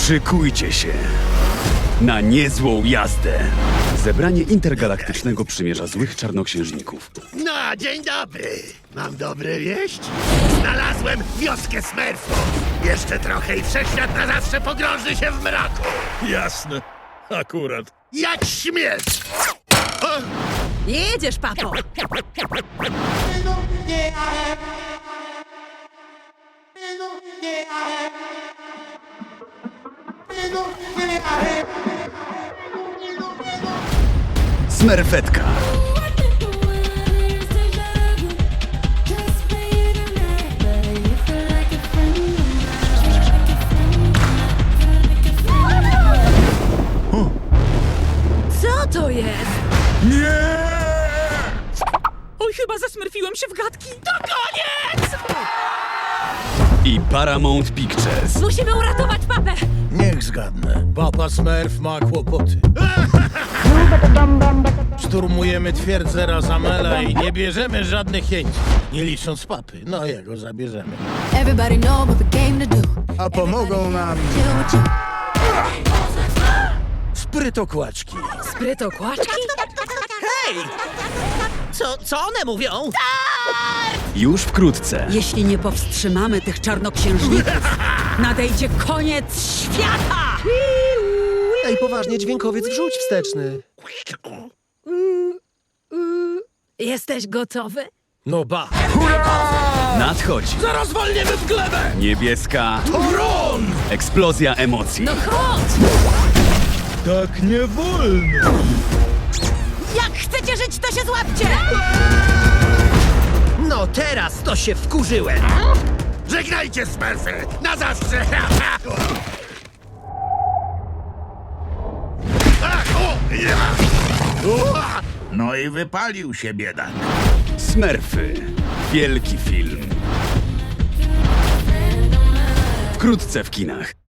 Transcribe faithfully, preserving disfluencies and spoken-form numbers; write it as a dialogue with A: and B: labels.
A: Szykujcie się na niezłą jazdę. Zebranie Intergalaktycznego Przymierza Złych Czarnoksiężników.
B: No, dzień dobry. Mam dobre wieść. Znalazłem wioskę Smurfów. Jeszcze trochę i wszechświat na zawsze pogrąży się w mraku.
C: Jasne. Akurat.
B: Jak śmiesz!
D: Jedziesz, papo!
A: Smerfetka.
D: Co to jest?
C: Nie!
D: Oj, chyba zasmurfiłem się w gadki. To koniec!
A: I Paramount Pictures.
D: Musimy uratować papę!
C: Niech zgadnę. Papa Smurf ma kłopoty. Szturmujemy twierdzę Razamela i nie bierzemy żadnych jeńców. Nie licząc papy. No jego zabierzemy.
E: Everybody know what the game to do.
C: A pomogą nam
E: Chill with you.
C: sprytokłaczki.
D: Sprytokłaczki?
F: Co, co one mówią?
A: Już wkrótce.
D: Jeśli nie powstrzymamy tych czarnoksiężników, nadejdzie koniec świata!
F: Ej, poważnie, dźwiękowiec wrzuć wsteczny.
D: Jesteś gotowy?
C: No ba.
A: Nadchodzi
C: Zaraz walniemy w glebę!
A: niebieska
C: Tron!
A: eksplozja emocji.
D: No chodź!
C: Tak nie wolno.
D: Jak chcecie żyć, to się złapcie!
F: No teraz to się wkurzyłem.
B: Żegnajcie, Smurfy! Na zawsze! Ach, o, ja. Ua!
G: No i wypalił się biedak.
A: Smurfy. Wielki film. Wkrótce w kinach.